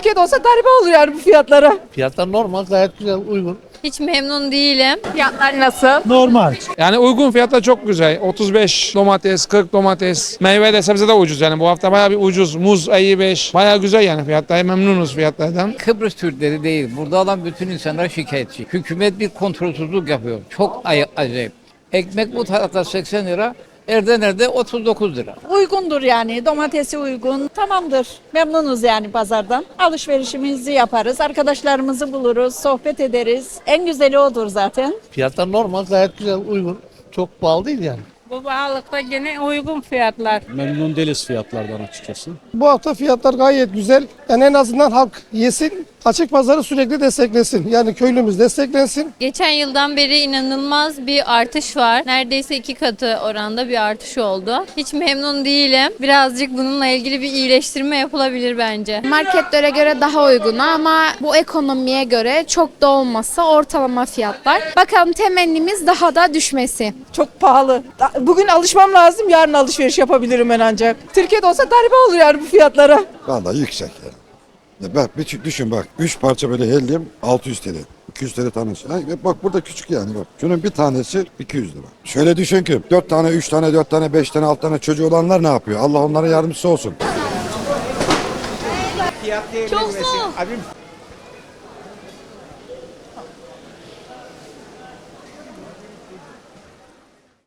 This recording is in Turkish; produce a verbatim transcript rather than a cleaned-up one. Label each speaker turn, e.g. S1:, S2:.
S1: Türkiye'de olsa garibe olur yani bu fiyatlara.
S2: Fiyatlar normal, gayet güzel, uygun.
S3: Hiç memnun değilim.
S1: Fiyatlar nasıl?
S4: Normal.
S5: Yani uygun fiyatla çok güzel. otuz beş domates, kırk domates. Meyve de sebze de ucuz yani. Bu hafta bayağı bir ucuz. Muz elli beş. Bayağı güzel yani fiyatlar. Memnunuz fiyatlardan.
S6: Kıbrıs Türkleri değil. Burada olan bütün insanlar şikayetçi. Hükümet bir kontrolsüzlük yapıyor. Çok ay- acayip. Ekmek bu tarafta seksen lira. Erdener'de otuz dokuz lira.
S7: Uygundur yani, domatesi uygun, tamamdır. Memnunuz yani pazardan. Alışverişimizi yaparız, arkadaşlarımızı buluruz, sohbet ederiz. En güzeli odur zaten.
S2: Fiyatlar normal, gayet güzel, uygun. Çok pahalı değil yani.
S8: Bu pahalılıkta gene uygun fiyatlar.
S4: Memnun değiliz fiyatlardan açıkçası.
S9: Bu hafta fiyatlar gayet güzel. Yani en azından halk yesin, açık pazarı sürekli desteklesin. Yani köylümüz desteklensin.
S3: Geçen yıldan beri inanılmaz bir artış var. Neredeyse iki katı oranda bir artış oldu. Hiç memnun değilim. Birazcık bununla ilgili bir iyileştirme yapılabilir bence.
S10: Marketlere göre daha uygun ama bu ekonomiye göre çok da olmasa ortalama fiyatlar. Bakalım temennimiz daha da düşmesi.
S1: Çok pahalı. Bugün alışmam lazım, yarın alışveriş yapabilirim ben ancak. Türkiye'de olsa garibe olur yani bu fiyatlara.
S11: Vallahi yüksek yani. Ya bak bir düşün bak. Üç parça böyle hellim altı yüz T L. iki yüz T L tanesi. Ha, bak burada küçük yani bak. Şunun bir tanesi iki yüz lira. Şöyle düşün ki dört tane, üç tane, dört tane, beş tane, altı tane çocuğu olanlar ne yapıyor? Allah onlara yardımcısı olsun.
S3: Çok soğuk.